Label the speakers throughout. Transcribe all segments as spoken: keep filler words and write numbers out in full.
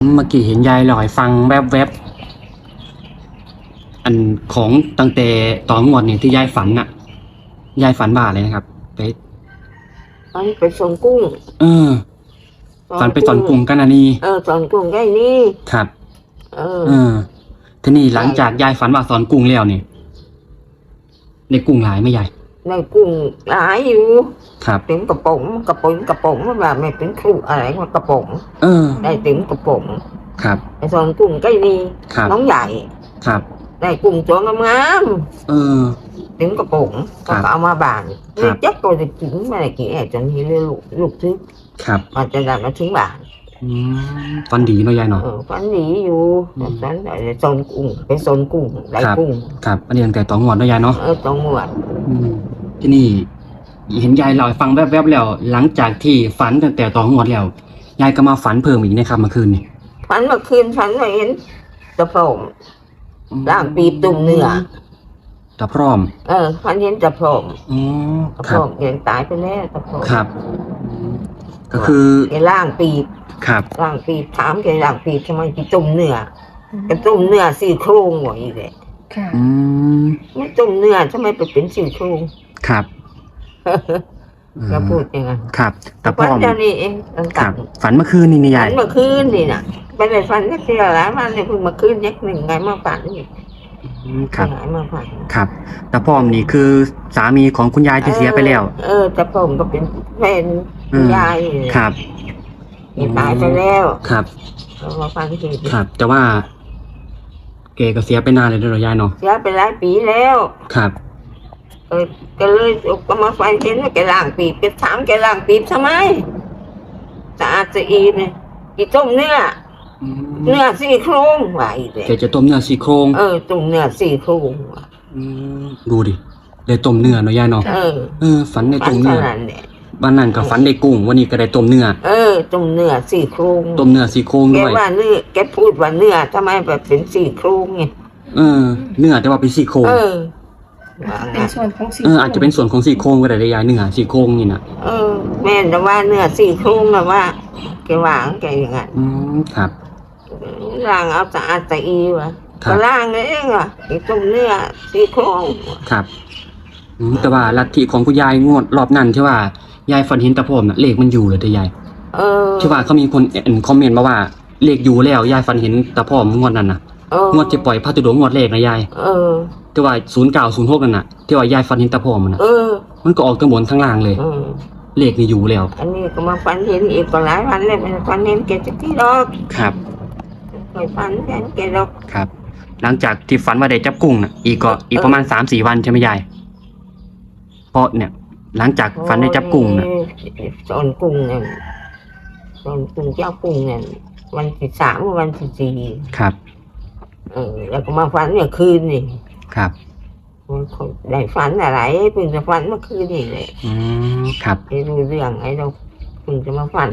Speaker 1: เมื่อกี้เห็นยายลอยฟังแวบๆอันของตั้งแต่ตอนงวดนี่ที่ยายฝันน่ะยายฝันบ้าเลยนะครับไป
Speaker 2: ฝันไปส่งกุ้ง
Speaker 1: เออฝันไปสอนกุ้งกันอันนี้
Speaker 2: เออสอนกุ้งได้นี่
Speaker 1: ครับ
Speaker 2: เออ
Speaker 1: เออทีนี้หลังจากยายฝันว่าสอนกุ้งแล้วนี่ในกุ้งหลายไหมยาย
Speaker 2: ในกุ้งหลายอยู่
Speaker 1: ครับ
Speaker 2: ถึงกระป๋องกระป๋องกระป๋องแบบไม่เป็นครูอะไรว่ากระป๋อง
Speaker 1: เออ
Speaker 2: ได้ถึงกระป๋อง
Speaker 1: ครับ
Speaker 2: ไปสอนกุ้งได้นี่น้องใหญ่
Speaker 1: ครับ
Speaker 2: ได้กุ้งตัวงาม
Speaker 1: ๆเออ
Speaker 2: ถึงกระป๋องก็เอามาบานนี่จักตัวจะกินมาได้กี่แอบจนที่ลูกลูกทึก
Speaker 1: ครับ
Speaker 2: มันจะได้มาถึงบาน
Speaker 1: ฟันดีเนาะยายเนาะ
Speaker 2: ฟันดีอยู่ฟันได้สอนกุ้งไปสอนกุ้งได้กุ้ง
Speaker 1: ครับอันนี้ตั้งแต่ตอนงวดเนาะยายเนาะ
Speaker 2: เออตอนงวด
Speaker 1: ที่นี่เห็นยายเล่าให้ฟังแวบๆแล้วหลังจากที่ฝันตั้งแต่ตอนงวดแล้วยายก็มาฝันเพิ่มอีกนะครับเมื่อคืนนี่
Speaker 2: ฝันเมื่อคืนฝันว่าเห็นตะพร้อมร่างปีบตุ่มเนื้อ
Speaker 1: ตะพร้อม
Speaker 2: เออฝันเห็นตะพร้อม
Speaker 1: อ๋อ
Speaker 2: ตะพร้อมยังตายไปแล้วตะพร้อม
Speaker 1: ครับก็คือ
Speaker 2: แกร่างปีบ
Speaker 1: ครับ
Speaker 2: ร่างปีบถามแกร่างปีบทำไมที่ตุ่มเนื้อกระตุ่มเนื้อสี่โครงหัวอีกเลย
Speaker 1: ค่ะอืม
Speaker 2: ไม่ตุ่มเนื้อทำไมไปเป็นสี่โครง
Speaker 1: ครับ
Speaker 2: ก็พูดยังไง
Speaker 1: ครับ
Speaker 2: แต่ฝันเดี๋ยวนี้เอง
Speaker 1: ครับฝันเมื่อคืนนี่นี่ยาย
Speaker 2: ฝันเมื่อคืนนี่น่ะไปในฝันก็เสียแล้วมันเลยเพิ่งเมื่อคืนยักหนึ่งไงมาฝันนี่
Speaker 1: ครับ
Speaker 2: ไงมาฝัน
Speaker 1: ครับตาพร้อมนี่คือสามีของคุณยายที่เสียไปแล้ว
Speaker 2: เออตาพร้อมก็เป็นแฟนคุณยาย
Speaker 1: ครับ
Speaker 2: ตายไปแล้ว
Speaker 1: ครับ
Speaker 2: มาฟังที
Speaker 1: ครับแต่ว่าแกก็เสียไปนานเลยเด้อยายเนาะ
Speaker 2: เสียไปหลายปีแล้ว
Speaker 1: ครับ
Speaker 2: เออก็เลยก็มาฟังเห็นว่าแกล้างปีบแกถามแกล้างปีบทำไมสะอาดสะอีเนี่ยกี่ต้มเนื้อเนื้อสี่โครงว่าอีกเลย
Speaker 1: แกจะต้มเนื้อสี่โครง
Speaker 2: เออต้มเนื้อสี่โครง
Speaker 1: ดูดิได้ต้มเนื้อเนาะยายเนาะ
Speaker 2: เออ
Speaker 1: เออฝันในต้มเนื้อวันนั้นก็ฝันได้กุ้งวันนี้ก็ได้ต้มเนื้อ
Speaker 2: เออต้มเนื้อสี่โครง
Speaker 1: ต้มเนื้อสี่โครงด้วย
Speaker 2: แกว่าเนื้อแกพูดว่าเนื้อทำไมแบบเป็นสี่โครงไง
Speaker 1: เออเนื้อแต่ว่าเป็นสี่โครง
Speaker 2: เออ
Speaker 3: เป็นส่วนของสี่
Speaker 1: เอออาจจะเป็นส่วนของสี่โครงก็ได้ยายเนื้อสี่โครงนี่นะ
Speaker 2: เออแม่แต่ว่าเนื้อสี่โครงนะว่าแกวางแกอย่างนั้น
Speaker 1: อืมครับ
Speaker 2: ล่างเอาสะอาดสะอีวะก็ล่างเองอ่ะไอ้ต้มเนื้อสี่โครง
Speaker 1: ครับแต่ว่าลัทธิของคุณยายงวดรอบนั้นที่ว่ายายฝันเห็นตะพร้อมน่ะเลขมันอยู่เลยแต่ยาย
Speaker 2: เออ
Speaker 1: ที่ว่าเขามีคนคอมเมนต์มาว่าเลขอยู่แล้วยายฝันเห็นตะพร้อมงวดนั้นน่ะงวดที่ปล่อยพระตุดงงวดแรกนะยาย
Speaker 2: เออ
Speaker 1: ที่ว่าศูนย์เก้าศูนย์หกนั่นน่ะที่ว่ายายฝันเห็นตะพร้อมมันน่ะ
Speaker 2: เออ
Speaker 1: มันก็ออกทั้งบนทั้งล่างเลยเลขนี่อยู่แล้ว
Speaker 2: อันนี้ก็มาฝันเห็นอีกก็หลายวันเลยมันฝันเห็นแกจะที่ดอก
Speaker 1: ครับ
Speaker 2: เคยฝันเห็นแกดอก
Speaker 1: ครับหลังจากที่ฝันว่าได้จับกุ้งน่ะอีกก็อีกประมาณสามสี่วันใช่ไหมยายเพราะเนี่ยหลังจากฝันได้จับกุ้งน่ะ
Speaker 2: สอนกุ้งเนี่ยสอนกุ้งเจ้ากุ้งเนี่ยวันที่สามวันที่สี่
Speaker 1: ครับ
Speaker 2: เออแล้วก็มาฝันเนี่ยคืนนี่
Speaker 1: ครับ
Speaker 2: ได้ฝันอะไรเพิ่งจะฝันเมื่อคืนนี่เลย
Speaker 1: อืมครับ
Speaker 2: ไม่รู้เรื่องไอ้เราเพิ่งจะมาฝัน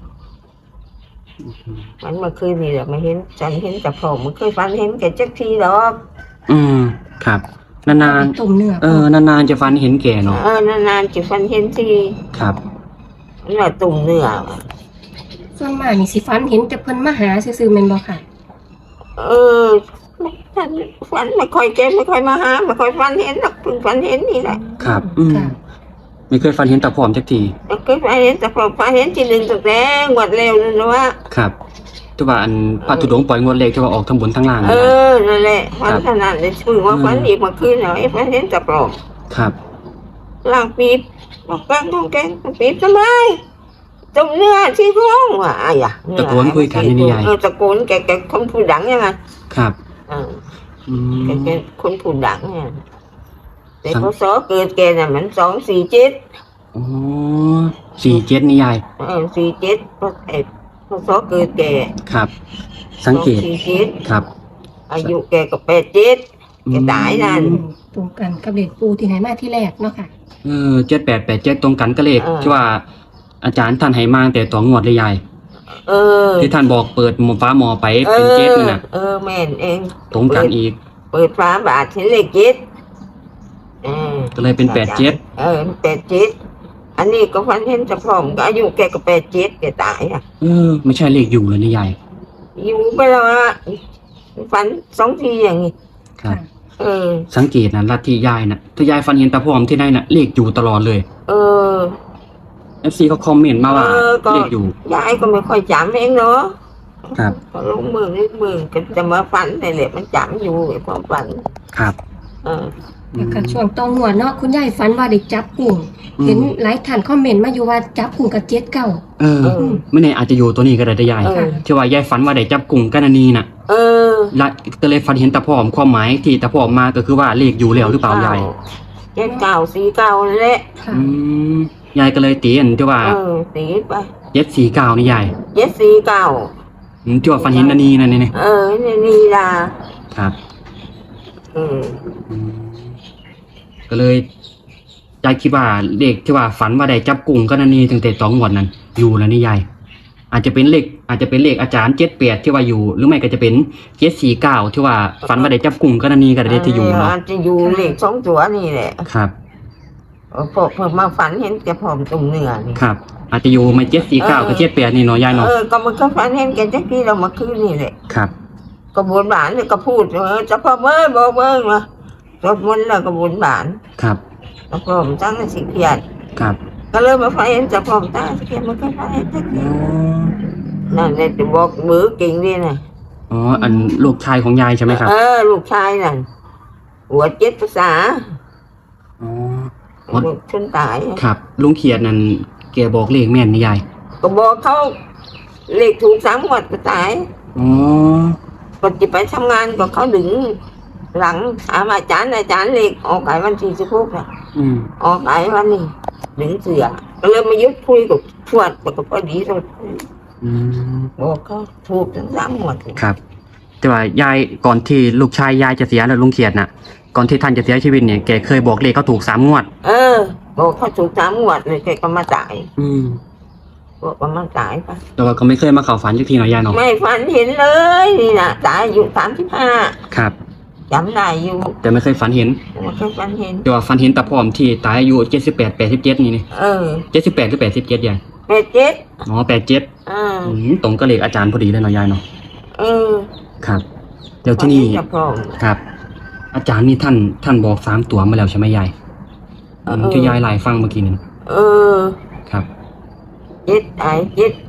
Speaker 2: ฝันเมื่อคืนนี่แหละไม่เห็นฉันเห็นแต่ผมมันเคยฝันเห็นแกจักทีหรอก
Speaker 1: อืมครับนานๆ
Speaker 3: ตุ่มเนื้อ
Speaker 1: เออนานๆจะฝันเห็นแกเนาะ
Speaker 2: เออนานๆจะฝันเห็นที
Speaker 1: ครับ
Speaker 2: นั่นแหละตุ่มเนื้อ
Speaker 3: ส่วนมากนี่สิฝันเห็นแต่เพิ่นมาหาซื่อๆแม่นบ่ค่ะ
Speaker 2: เออฝันฝันไม่ค่อยแกไม่ค่อยมาหาไม่ค่อยฝันเห็นหรอกเพิ่งฝันเห็นนี่แหละ
Speaker 1: ครับอืมไม่เคยฝันเห็นตะพร้อมจักที
Speaker 2: ไม่เคยฝันเห็นตะพร้อมฝันเห็นทีหนึ่งตั้งแต่งวดเร็วนั่นนะว่า
Speaker 1: ครับที่ว่าอันพระธุดงค์ปล่อยงวดเลขที่ว่าออกทั้งบนทั้งล่าง
Speaker 2: เออนั่นแหละฝันขนาดเลยชื่อว่าฝันอีกเมื่อคืนเหรอไอ้ฝันเห็นตะพร้อม
Speaker 1: ครับ
Speaker 2: ล่างปีบบอกแกงบอกแกงปีบทำไมตุ่มเนื้อที่โครงว่ะอะไรอ่ะ
Speaker 1: ตะโกนคุยกันนี่ยาย
Speaker 2: ตะโกนแกแกคนพูดดังยังไง
Speaker 1: ครับ
Speaker 2: อ่าแกแกคนพูดดังเนี่ยแต่พศเกิดแกน่ะมันสองสี่เจ็ด
Speaker 1: อ๋อสี่เจ็ดนี่ยาย
Speaker 2: เออสี่เจ็ดพศพศเกิดแก
Speaker 1: ครับสังเกต
Speaker 2: สี่เจ็ด
Speaker 1: ครับ
Speaker 2: อายุแกก็แปดเจ็ดแกตายนั่น
Speaker 3: ตรงกันกับเลขปูที่ไหนมาที่แรกเนาะค่ะ
Speaker 1: เออเจ็ดแปดแปดเจ็ดตรงกันกับเลขที่ว่าอาจารย์ท่านให้มาแต่ต่องวดเลยยาย
Speaker 2: เออ
Speaker 1: ที่ท่านบอกเปิดหมอฟ้าหมอไปเป็นเจ็ดนั่นน่ะ
Speaker 2: เออแม่นเอง
Speaker 1: ตรงกันอีก
Speaker 2: เปิดฟ้าบาทเห็นเลขเจ็ดเออ
Speaker 1: ก็เลยเป็นแปดเจ็ด
Speaker 2: เออแปดเจ็ดอันนี้ก็ฝันเห็นจะพร้อมก็อายุแกก็แปดเจ็ดแกตายอ่ะ
Speaker 1: เออไม่ใช่เลขอยู่เลยนี่ยาย
Speaker 2: อยู่ไปแล้วอะฝันสองทีอย่างนี้
Speaker 1: ครับ
Speaker 2: เออ
Speaker 1: สังเกตนะลัทธิยายนะถ้ายายฝันเห็นตาพร้อมที่ไหนนะเลขอยู่ตลอดเลย
Speaker 2: เออ
Speaker 1: เอฟซีเขาคอมเมนต์มาว่า
Speaker 2: เออก็
Speaker 1: เลขอยู่
Speaker 2: ยายก็ไม่ค่อยจำเองเนาะ
Speaker 1: ครับ
Speaker 2: พอลงมือนิดมือก็จะมาฝันในแหละมันจำอยู่ไอ้ความฝัน
Speaker 1: ครับ
Speaker 2: เออ
Speaker 3: แล้วก็ช่วงตองหัวดเนาะคุณยายฝันว่าได้จับกุ้ง
Speaker 1: อืม
Speaker 3: เห็นหลายท่านคอมเมนต์มาอยู่ว่าจับกุ้งกับเจ็ดเก้า
Speaker 1: เออ
Speaker 2: เออ
Speaker 1: ไม่แน่อาจจะอยู่ตัวนี้ก็ได้ได้ยาย
Speaker 2: เออ
Speaker 1: ที่ว่ายายฝันว่าได้จับกลุ่มกันอันนีน่ะ
Speaker 2: เออ
Speaker 1: และก็เลยฝันเห็นตาพร้อมความหมายที่ตาพร้อมมาก็คือว่าเลขอยู่แล้วหรือเปล่ายาย
Speaker 2: เจ็ดเก้าสี่เก้านั่นแหละ
Speaker 3: ค่ะ
Speaker 1: อืมยายก็เลยตีอันที่ว่า
Speaker 2: เออตีไป
Speaker 1: เจ็ดสี่เก้านี่ยาย
Speaker 2: เจ็ดสี่เก้า
Speaker 1: อืมที่ว่าฝันเห็นอันนี้นั่นนี่
Speaker 2: เออนี่นี่ล่ะ
Speaker 1: ครับ
Speaker 2: เออ
Speaker 1: อืมก็เลยยายคิดว่าเลขที่ว่าฝันว่าได้จับกลุ่มกันอันนี้ตั้งแต่สองงวดนั้นอยู่แล้วนี่ยายอาจจะเป็นเลขอาจจะเป็นเลขอาจารย์เจ็ดแปดที่ว่าอยู่ หรือไม่ก็จะเป็นเจ็ดสี่เก้าที่ว่าฝันว่าได้จับกลุ่มกันอันนี้ก็ได้ที่อยู่เนาะ
Speaker 2: อาจจะอยู่เลขสองตัวนี่แหละ
Speaker 1: ครับ
Speaker 2: เออพอพอมาฝันเห็นแกผอมตรงเนื้อนี่
Speaker 1: ครับ อาจจะอยู่ไม่เจ็ดสี่เก้ากับเจ็ดแปดนี่เนาะยายเนาะ
Speaker 2: เออก็มันก็ฝันเห็นแกจักที่เรามาคืนนี่แหละ
Speaker 1: ครับ
Speaker 2: ก็บุญบานเนี่ยก็พูดเออจะพ่อเมื่อบอกเมื่อมาสวดมนต์แล้วก็บุญบาน
Speaker 1: ครับ
Speaker 2: แล้วพร้อมตั้งแต่สิเกียรติ
Speaker 1: ครับ
Speaker 2: ก็เลยมาฝันเห็นจะพร้อมตั้งสิเกียรติมันก็ฝันเห็นจักที่นั่นเลยจะบอกมือเก่งดีนะ
Speaker 1: อ๋ออันลูกชายของยายใช่ไหมครับ
Speaker 2: เออลูกชายนั่นหัวเจ็ดภาษา
Speaker 1: อ๋อ
Speaker 2: ลูกชนตาย
Speaker 1: ครับลุงเขียดนั่นแกบอกเลขแม่นนี่ยาย
Speaker 2: ก็บอกเขาเลขถูกสามหมดก็ตาย
Speaker 1: อ๋อ
Speaker 2: ก็จะไปทำงานก็เขาดึง หลังถามอาจารย์อาจารย์เลขออกไก่วันที่สิบหกนะ
Speaker 1: อืม
Speaker 2: ออกไก่วันนี้ดึงเสือก็เลยมายุดคุยกับทวดก็พอดีเลย
Speaker 1: อืม
Speaker 2: บอกเขาถูกทั้งสามหมด
Speaker 1: ครับ แต่ว่ายายก่อนที่ลูกชายยายจะเสียแล้วลุงเขียดน่ะ ก่อนที่ท่านจะเสียชีวิตเนี่ยแกเคยบอกเลขเขาถูกสามงวด
Speaker 2: เออ บอกเขาถูกสามหมดเลยแกก็มาตาย
Speaker 1: อืม
Speaker 2: บอกว่ามันตายไป
Speaker 1: แต่ว่าก็ไม่เคยมาเข้าฝันสักทีเนาะยายเนาะ
Speaker 2: ไม่ฝันเห็นเลยนี่นะตายอายุสามสิบห้า
Speaker 1: ครับ
Speaker 2: จำได้อยู่
Speaker 1: แต่ไม่เคยฝันเห็น
Speaker 2: ไม่เคยฝันเห็น
Speaker 1: แต่ว่าฝันเห็นตาพร้อมที่ตายอายุเจ็ดสิบแปดแปดสิบเจ็ดนี่นี่
Speaker 2: เออ
Speaker 1: เจ็ดสิบแปดหรือแปดสิบเจ็ดยาย
Speaker 2: เป็ดเจ็ด
Speaker 1: อ๋อแปดเจ็ด
Speaker 2: อ่า
Speaker 1: อืมตรงกับเลขอาจารย์พอดีเลยเนาะยายเนาะ
Speaker 2: เออ
Speaker 1: ครับเดี๋ยวที่นี่
Speaker 2: จะพร้อม
Speaker 1: ครับ อาจารย์นี่ท่านท่านบอกสามตัวมาแล้วใช่ไหมยาย
Speaker 2: เออ
Speaker 1: อืมที่ยายไล่ฟังเมื่อกี้นี่
Speaker 2: เออ
Speaker 1: ครับ
Speaker 2: เจ็ดไอ้เจ็ด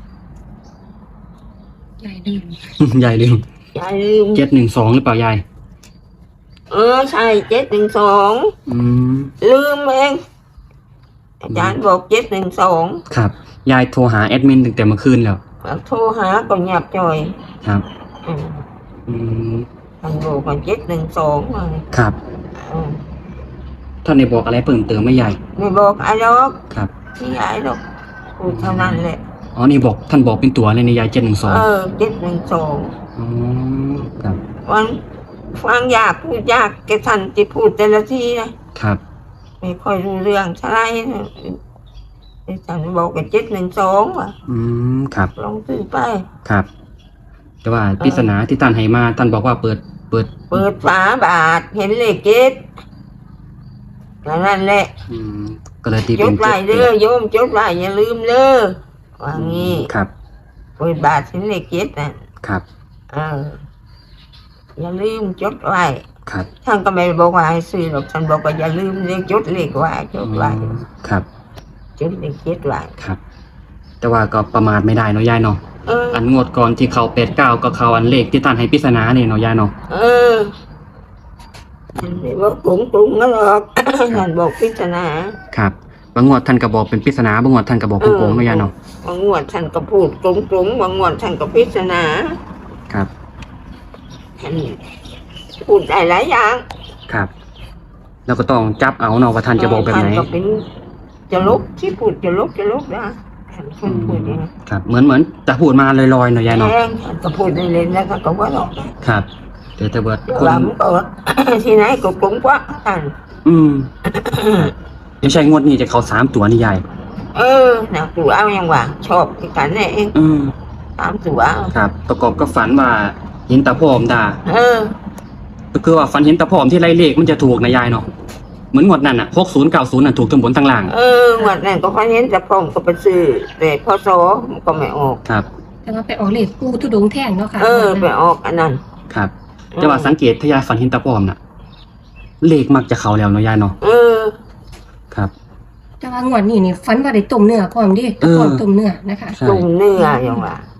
Speaker 3: ยายลืม
Speaker 1: ยายลืม
Speaker 2: ยายลืม
Speaker 1: เจ็ดหนึ่งสองหรือเปล่ายาย
Speaker 2: เออใช่เจ็ดหนึ่งสอง
Speaker 1: อืม
Speaker 2: ลืมเองอาจารย์บอกเจ็ดหนึ่งสอง
Speaker 1: ครับ ยายโทรหาแอดมินตั้งแต่เมื่อคืนแล้ว
Speaker 2: โทรหาก็เงียบจ่อย
Speaker 1: ครับ
Speaker 2: อืม
Speaker 1: อืม
Speaker 2: ท่านบอกว่าเจ็ดหนึ่งสองมา
Speaker 1: ครับ
Speaker 2: อืม
Speaker 1: ท่านได้บอกอะไรเพิ่มเติมไหมยาย
Speaker 2: ไม่บอกไอ้ดอก
Speaker 1: ครับ
Speaker 2: ที่ยายหรอกพูดเท่านั้นแหละ
Speaker 1: อ๋อนี่บอกท่านบอกเป็นตัวเลยในยายเจ็ดหนึ่งสอง
Speaker 2: เออเจ็ดหนึ่งสอง
Speaker 1: อ๋อครับ
Speaker 2: วันฟังยากพูดยากแกท่านจะพูดแต่ละทีนะครับ ไม่ค่อยรู้เรื่องเท่าไหรนะไอ้ท่านบอกว่าเจ็ดหนึ่งสองว่ะ
Speaker 1: อืมครับ
Speaker 2: ลองซื้อไป
Speaker 1: ครับ แต่ว่าปริศนาที่ท่านให้มาท่านบอกว่าเปิดเปิด
Speaker 2: เปิดฝาบาทเห็นเลขเจ็ดแล้วนั่นแหละ
Speaker 1: อืมก็เลยตี
Speaker 2: จ
Speaker 1: เป็
Speaker 2: ด
Speaker 1: น
Speaker 2: ไว้
Speaker 1: เจ็ด
Speaker 2: เด้อโยมจดไว้อย่าลืมเด้อว่างี้
Speaker 1: ครับ
Speaker 2: เปิดบาทเห็นเลขเจ็ดน่ะ
Speaker 1: ครับ
Speaker 2: เอออย่าลืมจดไว้
Speaker 1: ครับ
Speaker 2: ท่านก็ไม่ได้บอกว่าให้ซื้อหรอกท่านบอกว่าอย่าลืมเลขจดเลขไว้จดไว้
Speaker 1: อืมครับ
Speaker 2: จดเลขเจ็ดไว้
Speaker 1: ครับ แต่ว่าก็ประมาทไม่ได้เนาะยายเนาะ
Speaker 2: เออ
Speaker 1: อันงวดก่อนที่เขาเป็ดเก้าก็เขาอันเลขที่ท่านให้ปริศนาเนี่ยเนาะยายเนาะ
Speaker 2: เออไม่บอกกรุงกรุงก็หรอก ท่านบอกพิจารณา
Speaker 1: ครับบางงวดท่านก็บอกเป็นปริศนาบางงวดท่านก็บอกโกงๆเนาะยายเนาะ
Speaker 2: บางงวดท่านก็พูดกรุงกรุงบางงวดท่านก็พิจารณา
Speaker 1: ครับ
Speaker 2: ท่านพูดได้หลายอย่าง
Speaker 1: ครับ แล้วก็ต้องจับเอาเนาะว่าท่านจะบอกแบบไหน
Speaker 2: ท่านก็เป็นจะลบที่พูดจะลบจะลบนะท่านคนพูดอย่างนี้
Speaker 1: ครับ เหมือนเหมือนจะพูดมาลอยๆเนาะยาย
Speaker 2: แท
Speaker 1: เนาะ
Speaker 2: งท่านก็พูดได้เล่นแล้วก็ว่าหรอก
Speaker 1: ครับแต่แต่เบิดคน
Speaker 2: ว่ามันก็ ที่ไหนก็กรุงกว่าท่าน
Speaker 1: อืมไม่ใช่งวดนี้จะเขาสามตัวนี่ยาย
Speaker 2: เออหนักตัวเอาอย่างว่าชอบที่กันเนี่ยเอง
Speaker 1: อืม
Speaker 2: ตามตัวเอา
Speaker 1: ครับ ประกอบกับฝันว่าเห็นตาพร้อมด่า
Speaker 2: เออ
Speaker 1: ก็คือว่าฝันเห็นตาพร้อมที่ไล่เลขมันจะถูกนะยายเนาะเหมือนงวดนั้นอ่ะหกศูนย์เก้าศูนย์น่ะถูกทั้งบนทั้งล่าง
Speaker 2: เออวันนั้นก็พันเห็นแต่ผมก็ไปซื้อแต่พอโซมันก็ไม่ออก
Speaker 1: ครับ
Speaker 3: แต่ว่าไปออกเลขปูทุดงแท่งเนาะค่ะ
Speaker 2: เออไปออกอันนั้น
Speaker 1: ครับ แต่ว่าสังเกตถ้ายายฝันเห็นตาปลอมน่ะ เลขมักจะเข้าแล้วเนาะยายเนาะ
Speaker 2: เออ
Speaker 1: ครับ
Speaker 3: แต่ว่างวดนี้นี่ฝันว่าได้ต้มเนื้อพร้อมเดิ
Speaker 1: เออ
Speaker 3: พร้อมต้มเนื้อนะคะ
Speaker 1: ใช่
Speaker 2: ตุ่มเนื้ออย่างว่า